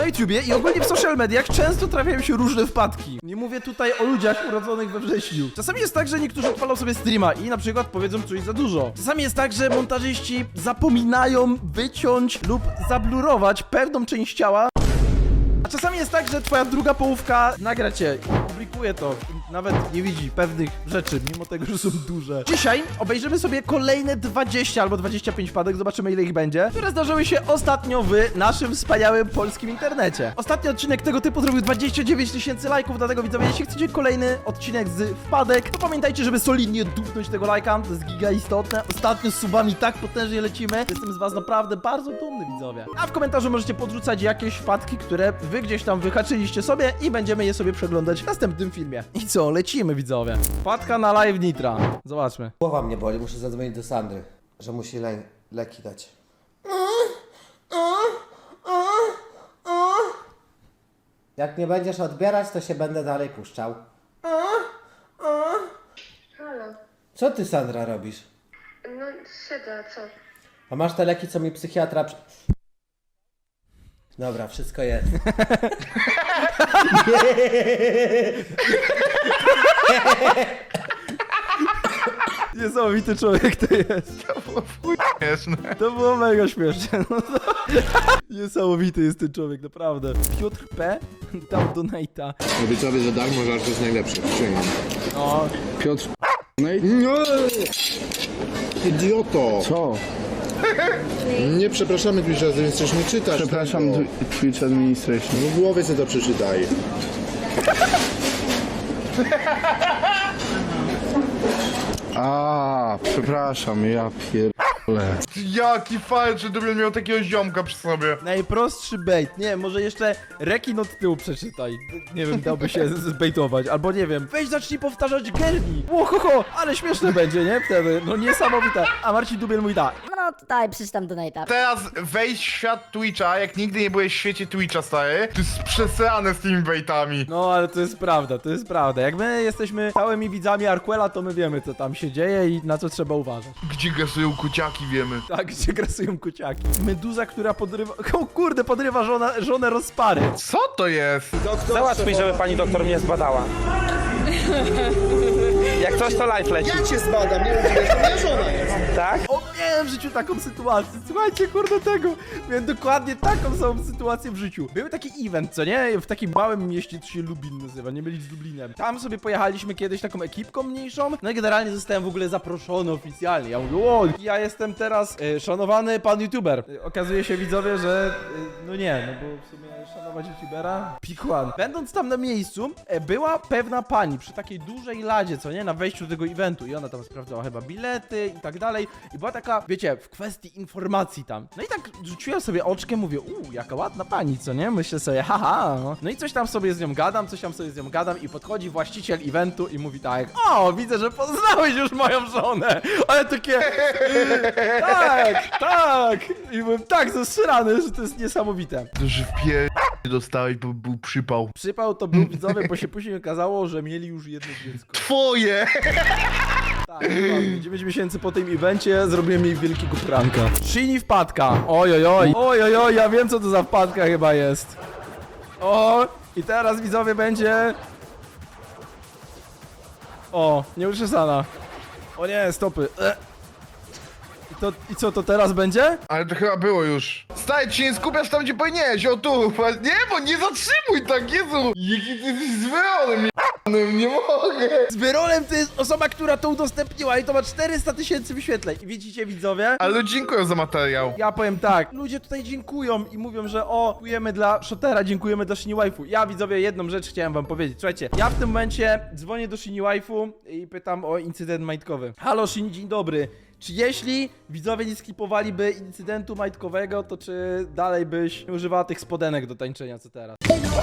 YouTubie i ogólnie w social mediach często trafiają się różne wpadki. Nie mówię tutaj o ludziach urodzonych we wrześniu. Czasami jest tak, że niektórzy odpalą sobie streama i na przykład powiedzą coś za dużo. Czasami jest tak, że montażyści zapominają wyciąć lub zablurować pewną część ciała. A czasami jest tak, że twoja druga połówka nagra cię i publikuje to i nawet nie widzi pewnych rzeczy, mimo tego, że są duże. Dzisiaj obejrzymy sobie kolejne 20 albo 25 wpadek, zobaczymy ile ich będzie, które zdarzyły się ostatnio w naszym wspaniałym polskim internecie. Ostatni odcinek tego typu zrobił 29 000 lajków, dlatego widzowie, jeśli chcecie kolejny odcinek z wpadek, to pamiętajcie, żeby solidnie dupnąć tego lajka, to jest giga istotne. Ostatnio z subami tak potężnie lecimy, jestem z was naprawdę bardzo dumny, widzowie. A w komentarzu możecie podrzucać jakieś wpadki, które wy gdzieś tam wyhaczyliście sobie i będziemy je sobie przeglądać w następnym filmie. I co, lecimy, widzowie. Wpadka na live Nitra. Zobaczmy. Głowa mnie boli, muszę zadzwonić do Sandry, że musi leki dać. Jak nie będziesz odbierać, to się będę dalej puszczał. Halo. Co ty, Sandra, robisz? No siedzę, co? A masz te leki, co mi psychiatra... Dobra, wszystko jest. Niesamowity człowiek to jest. To było śmieszne. To było mega śmieszne. No to... Niesamowity jest ten człowiek, naprawdę. Piotr P. dał donate'a. Obiecuję, że Dark może jest najlepszy. Przyjmę. O, Piotr... Nie! Idioto! Co? Nie przepraszamy Twitch razy, więc coś nie czytasz. Przepraszam, tego. Twitch Administration. No w głowie sobie to przeczytaj. A, przepraszam, ja pierdolę. Jaki fajny, że Dubiel miał takiego ziomka przy sobie. najprostszy bait. Nie, może jeszcze rekin od tyłu przeczytaj. Nie wiem, dałby się zbejtować. Albo nie wiem, weź zacznij powtarzać Gerni. Łohoho, ale śmieszne będzie, nie? Wtedy, no niesamowite. A Marcin Dubiel mówi tak. No tutaj przeczytam donate'a. Teraz wejdź w świat Twitcha, jak nigdy nie byłeś w świecie Twitcha, stary. To jest przesrane z tymi baitami. No, ale to jest prawda, to jest prawda. Jak my jesteśmy stałymi widzami Arquela, to my wiemy, co tam się dzieje i na co trzeba uważać. Gdzie gasują kuciaki, wiemy. Tak, gdzie grasują kociaki. Meduza, która podrywa... O kurde, podrywa żonę rozpary. Co to jest? Załatw mi, żeby pani doktor mnie zbadała. Jak coś, to live leci. Ja cię zbadam, nie rozumiesz, to moja żona jest. Tak? O, miałem w życiu taką sytuację. Słuchajcie, kurde tego. Miałem dokładnie taką samą sytuację w życiu. Był taki event, co nie? W takim małym mieście, to się Lubin nazywa, nie mylić z Lublinem. Tam sobie pojechaliśmy kiedyś taką ekipką mniejszą. No i generalnie zostałem w ogóle zaproszony oficjalnie. Ja mówię, o, ja jestem teraz szanowany pan youtuber. Okazuje się, widzowie, że no nie, no bo w sumie szanować youtubera? Pick one. Będąc tam na miejscu, była pewna pani przy takiej dużej ladzie, co nie? Na wejściu do tego eventu i ona tam sprawdzała chyba bilety i tak dalej. I była taka, wiecie, w kwestii informacji tam. No i tak rzuciłem sobie oczkiem, mówię, jaka ładna pani, co nie? Myślę sobie, haha. No i coś tam sobie z nią gadam, i podchodzi właściciel eventu i mówi tak, o, widzę, że poznałeś już moją żonę. Ale takie, tak. I byłem tak zasrany, że to jest niesamowite. To, że w dostałeś, bo był przypał. Przypał to był widzowie, bo się później okazało, że mieli już jedno dziecko. Twoje! Tak, dokładnie. 9 miesięcy po tym evencie zrobiłem jej wielkiego pranka. Shinny wpadka. Ojojoj, ja wiem co to za wpadka chyba jest. O, i teraz widzowie będzie... O, nieuczesana. O nie, stopy. I co to teraz będzie? Ale to chyba było już. Stary, ci nie skupiasz tam, gdzie powinieneś, o tu. Nie, bo nie zatrzymuj tak, Jezu. Jaki ty jesteś z Weronem, nie mogę. Z Wyrolem to jest osoba, która to udostępniła i to ma 400 000 wyświetleń. I widzicie, widzowie? Ale dziękuję za materiał. Ja powiem tak, ludzie tutaj dziękują i mówią, że dziękujemy dla Shotera, dziękujemy dla Shinny Waifu. Ja, widzowie, jedną rzecz chciałem wam powiedzieć. Słuchajcie, ja w tym momencie dzwonię do Shinny Waifu i pytam o incydent majtkowy. Halo Shinny, dzień dobry. Czy jeśli widzowie nie skipowaliby incydentu majtkowego, to czy dalej byś nie używała tych spodenek do tańczenia, co teraz?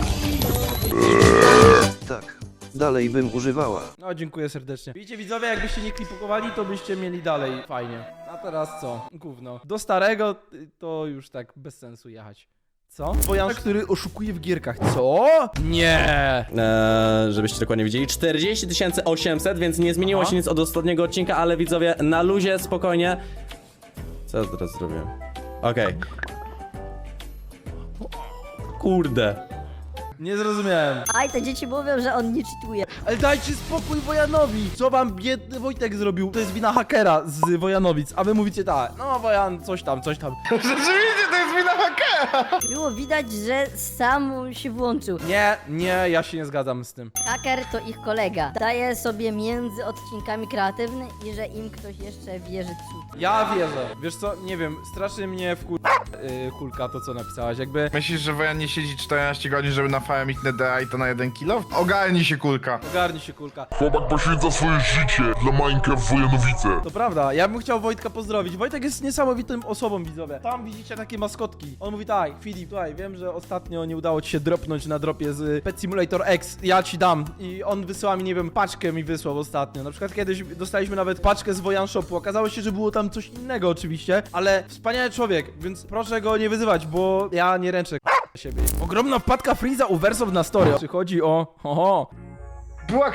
Tak, dalej bym używała. No, dziękuję serdecznie. Widzicie, widzowie, jakbyście nie klipowali, to byście mieli dalej fajnie. A teraz co? Gówno. Do starego to już tak bez sensu jechać. Co? Wojan, który oszukuje w gierkach. Co? Nie! Żebyście dokładnie widzieli, 40 800, więc nie zmieniło się nic od ostatniego odcinka, ale widzowie, na luzie, spokojnie. Co ja teraz zrobię? Okej. kurde. Nie zrozumiałem. Aj, te dzieci mówią, że on nie cheatuje. Ale dajcie spokój Wojanowi! Co wam biedny Wojtek zrobił? To jest wina hakera z Wojanowic, a wy mówicie tak, no Wojan, coś tam. Rzeczywiście, to jest wina hakera! Było widać, że sam się włączył. Nie, ja się nie zgadzam z tym. Haker to ich kolega. Daje sobie między odcinkami kreatywny i że im ktoś jeszcze wierzy cud. Ja wierzę. Wiesz co, nie wiem, strasznie mnie Kulka to co napisałaś, jakby... Myślisz, że Wojan nie siedzi 14 godzin, żeby na farmić NDA i to na 1 kilo? Ogarnij się, Kulka. Ogarnij się Kulka. Chłopak poświęca swoje życie dla Minecraft Wojanowice. To prawda, ja bym chciał Wojtka pozdrowić. Wojtek jest niesamowitą osobą, widzowie. Tam widzicie takie maskotki. On mówi tak, Filip, słuchaj, wiem, że ostatnio nie udało ci się dropnąć na dropie z Pet Simulator X. Ja ci dam. I on wysyła mi, nie wiem, paczkę mi wysłał ostatnio. Na przykład kiedyś dostaliśmy nawet paczkę z Wojan Shopu. Okazało się, że było tam coś innego oczywiście, ale wspaniały człowiek, więc proszę go nie wyzywać, bo ja nie ręczę siebie. Ogromna wpadka Freeza u Wersow na story. Przychodzi o... Oho. Była...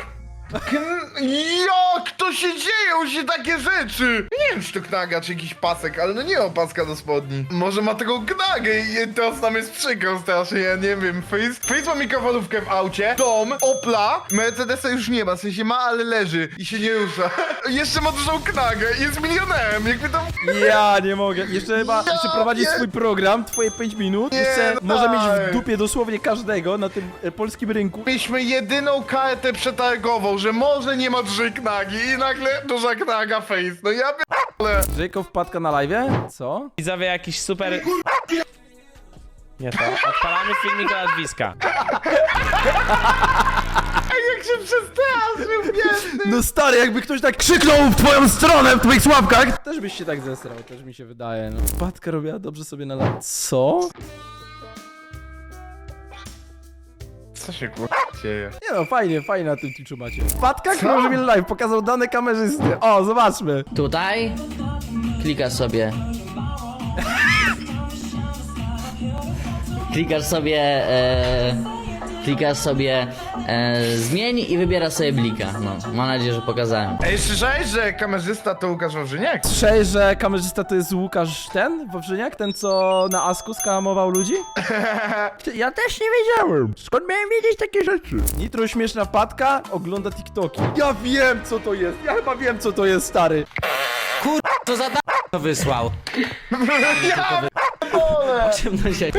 Jak to się dzieją się takie rzeczy? Nie wiem, czy to knaga, czy jakiś pasek, ale no nie ma paska do spodni. Może ma taką knagę i teraz nam jest przykro strasznie, ja nie wiem. Face ma mikrofalówkę w aucie, dom, Opla, Mercedesa już nie ma, w sensie ma, ale leży i się nie rusza. Jeszcze ma dużą knagę i jest milionerem, jakby tam... Ja nie mogę. Jeszcze prowadzi nie. swój program, twoje 5 minut. Nie, Jeszcze może mieć tak. w dupie dosłownie każdego na tym polskim rynku. Mieliśmy jedyną kartę przetargową, że może nie ma dużej knagi i nagle duża knaga face. No ja p***le. Jacob wpadka na live'ie? Co? Widzowie jakiś super... Nie to. Odpalamy filmik od Wiska. Jak się przestraszył, biedny. No stary, jakby ktoś tak krzyknął w twoją stronę w twoich sławkach. Też byś się tak zesrał, też mi się wydaje. No. Wpadka robiła dobrze sobie na live. Co? Co się dzieje? Nie no, fajnie na tym Twitchu macie. Wpadka, który robi live, pokazał dane kamerzysty. O, zobaczmy. Tutaj klikasz sobie. Klikasz sobie zmień i wybierasz sobie blika. No, mam nadzieję, że pokazałem. Ej, słyszałeś, że kamerzysta to Łukasz Wawrzyniak? Słyszałeś, że kamerzysta to jest Łukasz Wawrzyniak? Ten, co na Asku skamował ludzi? Ja też nie wiedziałem. Skąd miałem wiedzieć takie rzeczy? Nitro śmieszna wpadka, ogląda TikToki. Ja wiem, co to jest. Ja chyba wiem, co to jest, stary. Co za to wysłał? Ciemność.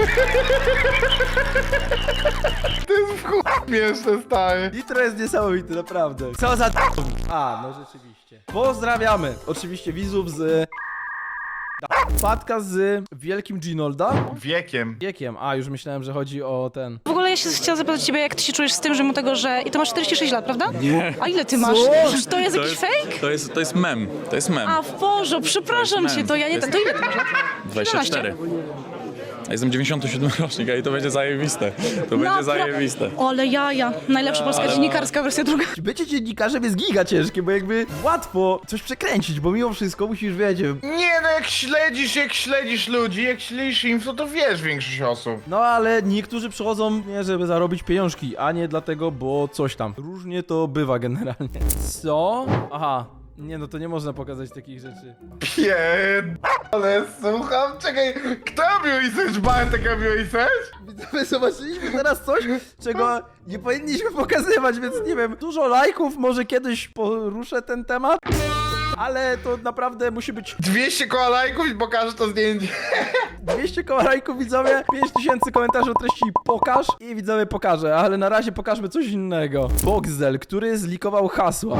To jest w chuj śmieszne, stary. Nitro jest niesamowity, naprawdę. Co za A, no rzeczywiście. Pozdrawiamy. Oczywiście widzów z... Wpadka z wielkim Ginolda. Wiekiem. A, już myślałem, że chodzi o ten... W ogóle ja się chciałam zapytać ciebie, jak ty się czujesz z tym, że mu tego, że... I to masz 46 lat, prawda? Nie. A ile ty masz? Czy to jest jakiś fake? To jest mem. To jest mem. A w Boże, przepraszam cię, to ja nie... To ile ty masz lat? 24. Ja jestem 97 rocznik, a i to będzie zajebiste. To będzie zajebiste. Ale jaja. Najlepsza polska dziennikarska wersja druga. Bycie dziennikarzem jest giga ciężkie, bo jakby łatwo coś przekręcić, bo mimo wszystko musisz wiedzieć. Nie no, jak śledzisz ludzi, jak śledzisz info, to wiesz większość osób. No ale niektórzy przychodzą nie żeby zarobić pieniążki, a nie dlatego, bo coś tam. Różnie to bywa generalnie. Co? Aha. Nie no, to nie można pokazać takich rzeczy. Ale słucham, czekaj, kto robił research? Bartek robił research? Widzowie, zobaczyliśmy teraz coś, czego nie powinniśmy pokazywać, więc nie wiem, dużo lajków, może kiedyś poruszę ten temat, ale to naprawdę musi być 200 koła lajków i pokażę to zdjęcie. 200 koła lajków, widzowie, 5000 komentarzy o treści pokaż i widzowie pokażę, ale na razie pokażmy coś innego. Boxel, który zlikował hasła.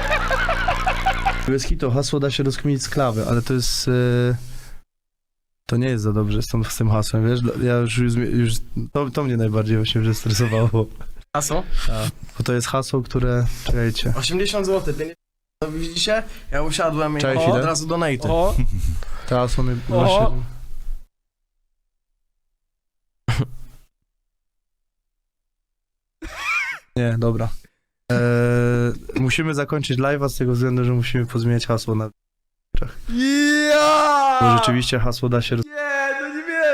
Bez hitu hasło da się rozkminić z klawy, ale to jest... To nie jest za dobrze z tym hasłem, wiesz? Ja już to mnie najbardziej właśnie zestresowało. Hasło? Tak, bo to jest hasło, które... Czekajcie. 80 zł, no widzicie? Ja usiadłem i Cześć, od razu donate. O, To hasło mnie właśnie... Nie, dobra. Musimy zakończyć live'a z tego względu, że musimy pozmieniać hasło na... Bo ja! rzeczywiście hasło da się... Nie, no nie wierzę.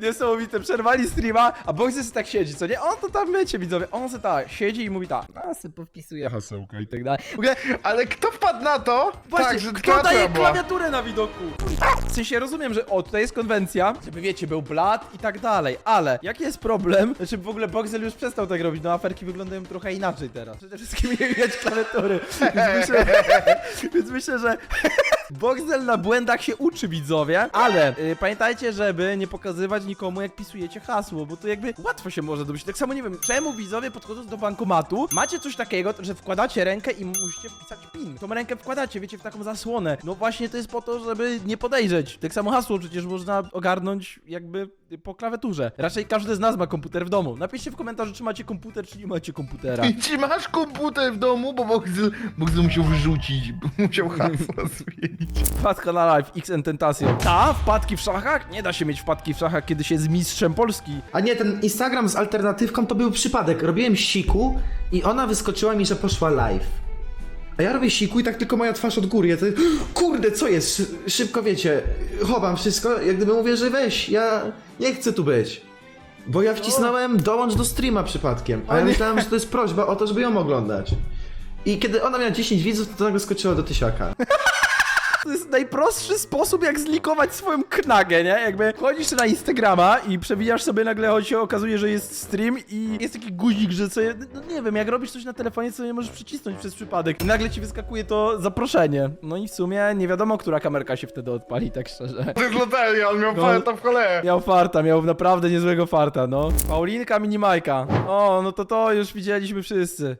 Niesamowite, przerwali streama, a Boxer tak siedzi, co nie? On to tam, wiecie, widzowie, on se tak siedzi i mówi tak, a se powpisuje hasełka i tak dalej. W ogóle, Ale kto wpadł na to? właśnie, Tak, że kto daje była. klawiaturę na widoku? W sensie rozumiem, że o, tutaj jest konwencja, żeby wiecie, był blat i tak dalej, ale jaki jest problem? Znaczy w ogóle Boxer już przestał tak robić, no aferki wyglądają trochę inaczej teraz. Przede wszystkim nie widać klawiatury, więc myślę, że Boxel na błędach się uczy, widzowie, ale pamiętajcie, żeby nie pokazywać nikomu, jak pisujecie hasło, bo to jakby łatwo się może domyślić. Tak samo nie wiem, czemu widzowie podchodząc do bankomatu, macie coś takiego, że wkładacie rękę i musicie wpisać PIN. Tą rękę wkładacie, wiecie, w taką zasłonę. No właśnie to jest po to, żeby nie podejrzeć. Tak samo hasło przecież można ogarnąć jakby po klawiaturze. Raczej każdy z nas ma komputer w domu. Napiszcie w komentarzu, czy macie komputer, czy nie macie komputera. Czy masz komputer w domu? Bo Boxel musiał wyrzucić, musiał hasło zmienić. Wpadka na live, XN Tentacion. Ta? Wpadki w szachach? Nie da się mieć wpadki w szachach, kiedy się jest mistrzem Polski. A nie, ten Instagram z alternatywką to był przypadek. Robiłem siku i ona wyskoczyła mi, że poszła live. A ja robię siku i tak tylko moja twarz od góry. Ja to, kurde, co jest? Szybko wiecie, chowam wszystko, jak gdyby mówię, że weź, ja nie chcę tu być. Bo ja wcisnąłem dołącz do streama przypadkiem, a ja myślałem, że to jest prośba o to, żeby ją oglądać. I kiedy ona miała 10 widzów, to nagle skoczyła do 1000. To jest najprostszy sposób, jak zlikować swoją knagę, nie? Jakby chodzisz na Instagrama i przewijasz sobie nagle, choć się okazuje, że jest stream i jest taki guzik, że sobie, no nie wiem, jak robisz coś na telefonie, co nie możesz przycisnąć przez przypadek i nagle ci wyskakuje to zaproszenie. No i w sumie nie wiadomo, która kamerka się wtedy odpali, tak szczerze. To jest loteria, on miał No. farta w cholerę. Miał farta, miał naprawdę niezłego farta, no. Paulinka Minimajka. O, no to już widzieliśmy wszyscy.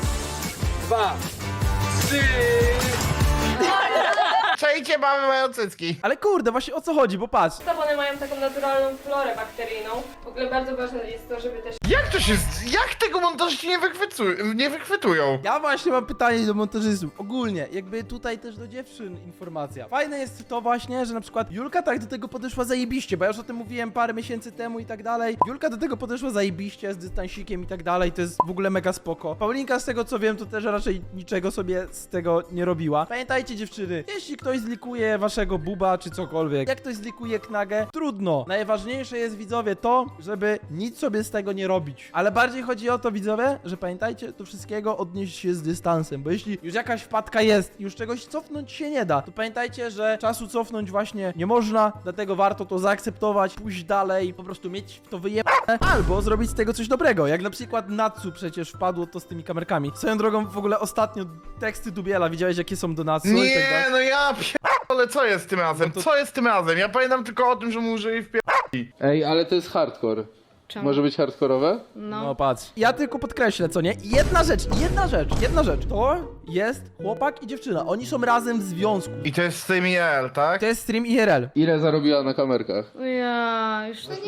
Czajcie, mamy mają cycki. Ale kurde, właśnie o co chodzi, bo patrz. One mają taką naturalną florę bakteryjną. W ogóle bardzo ważne jest to, żeby też Jak to się... Jak tego montażyści nie wychwytują? Ja właśnie mam pytanie do montażystów. Ogólnie, jakby tutaj też do dziewczyn informacja. Fajne jest to właśnie, że na przykład Julka tak do tego podeszła zajebiście, bo ja już o tym mówiłem parę miesięcy temu i tak dalej. Julka do tego podeszła zajebiście, z dystansikiem i tak dalej, to jest w ogóle mega spoko. Paulinka, z tego co wiem, to też raczej niczego sobie z tego nie robiła. Pamiętajcie dziewczyny, jeśli ktoś zlikuje waszego buba czy cokolwiek, jak ktoś zlikuje knagę, trudno. Najważniejsze jest, widzowie, to, żeby nic sobie z tego nie robić. Ale bardziej chodzi o to, widzowie, że pamiętajcie, do wszystkiego odnieść się z dystansem, bo jeśli już jakaś wpadka jest i już czegoś cofnąć się nie da, to pamiętajcie, że czasu cofnąć właśnie nie można, dlatego warto to zaakceptować, pójść dalej, po prostu mieć w to wyjebane, albo zrobić z tego coś dobrego, jak na przykład Natsu przecież wpadło to z tymi kamerkami. Swoją drogą, w ogóle ostatnio teksty Dubiela, widziałeś jakie są do Natsu i tak Nie, dalej? no ja ale co jest tym razem? Co jest tym razem? Ja pamiętam tylko o tym, że mu użyli w Ej, ale to jest hardcore. Może być hardkorowe? No patrz. Ja tylko podkreślę, co nie? Jedna rzecz. To jest chłopak i dziewczyna. Oni są razem w związku. I to jest stream IRL, tak? To jest stream IRL. Ile zarobiła na kamerkach? Ja już Jest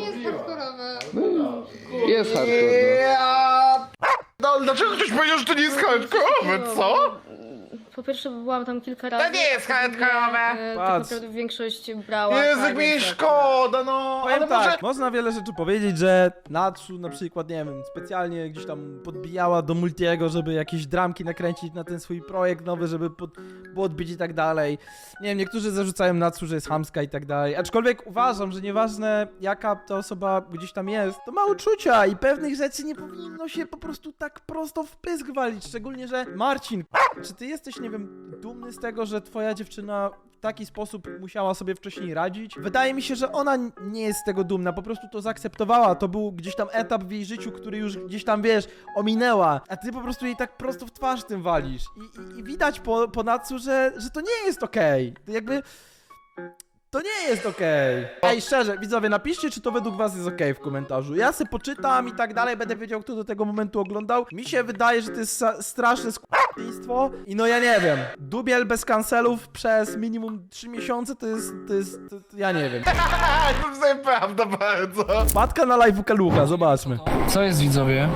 hardcore, Ja... No, dlaczego ktoś powiedział, że to nie jest hardkorowe, co? po pierwsze byłam tam kilka To razy. nie jest hardkorowe. Tak Patrz. naprawdę większość brała. Jezu, tak, mi więc szkoda, no. Powiem Ale tak, może... można wiele rzeczy powiedzieć, że Natsu na przykład, nie wiem, specjalnie gdzieś tam podbijała do Multiego, żeby jakieś dramki nakręcić na ten swój projekt nowy, żeby podbić i tak dalej. Nie wiem, niektórzy zarzucają Natsu, że jest chamska i tak dalej. Aczkolwiek uważam, że nieważne jaka ta osoba gdzieś tam jest, to ma uczucia i pewnych rzeczy nie powinno się po prostu tak prosto w pysk walić. Szczególnie, że Marcin, czy ty jesteś, nie wiem, dumny z tego, że twoja dziewczyna w taki sposób musiała sobie wcześniej radzić? Wydaje mi się, że ona nie jest z tego dumna, po prostu to zaakceptowała. To był gdzieś tam etap w jej życiu, który już gdzieś tam, wiesz, ominęła, a ty po prostu jej tak prosto w twarz tym walisz. I widać po Natsu, że to nie jest okej. To jakby... To nie jest okej. Ej, szczerze, widzowie, napiszcie, czy to według was jest okej w komentarzu. Ja se poczytam i tak dalej, będę wiedział, kto do tego momentu oglądał. Mi się wydaje, że to jest straszne skłóctwo. I no ja nie wiem. Dubiel bez kancelów przez minimum 3 miesiące to jest ja nie wiem. To jest nieprawda bardzo. Wpadka na live Kalucha, zobaczmy. Co jest, widzowie?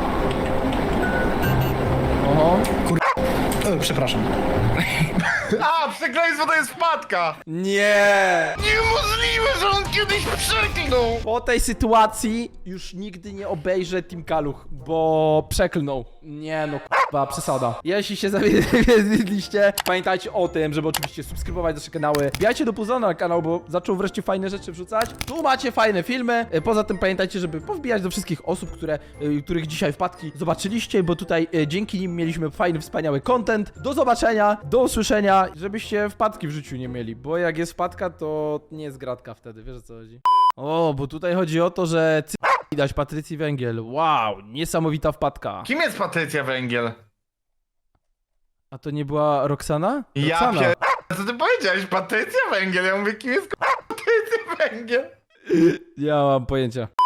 Oho. Przepraszam. A, przekleństwo to jest wpadka. Nie! Niemożliwe, że on kiedyś przeklnął. Po tej sytuacji już nigdy nie obejrzę Team Kaluch, bo przeklnął. Nie no, przesada. Jeśli się zawiedliście, pamiętajcie o tym, żeby oczywiście subskrybować nasze kanały. Wbijajcie do Puzona na kanał, bo zaczął wreszcie fajne rzeczy wrzucać. Tu macie fajne filmy. Poza tym pamiętajcie, żeby powbijać do wszystkich osób, których dzisiaj wpadki zobaczyliście, bo tutaj dzięki nim mieliśmy fajny, wspaniały content. Do zobaczenia, do usłyszenia, żebyście wpadki w życiu nie mieli, bo jak jest wpadka, to nie jest gratka wtedy, wiesz o co chodzi? O, bo tutaj chodzi o to, że widać Patrycji Węgiel. Wow, niesamowita wpadka. Kim jest Patrycja Węgiel? A to nie była Roxana? Ja Roxana. Co ty powiedziałeś? Patrycja Węgiel? Ja mówię, kim jest Patrycja Węgiel? Nie mam pojęcia.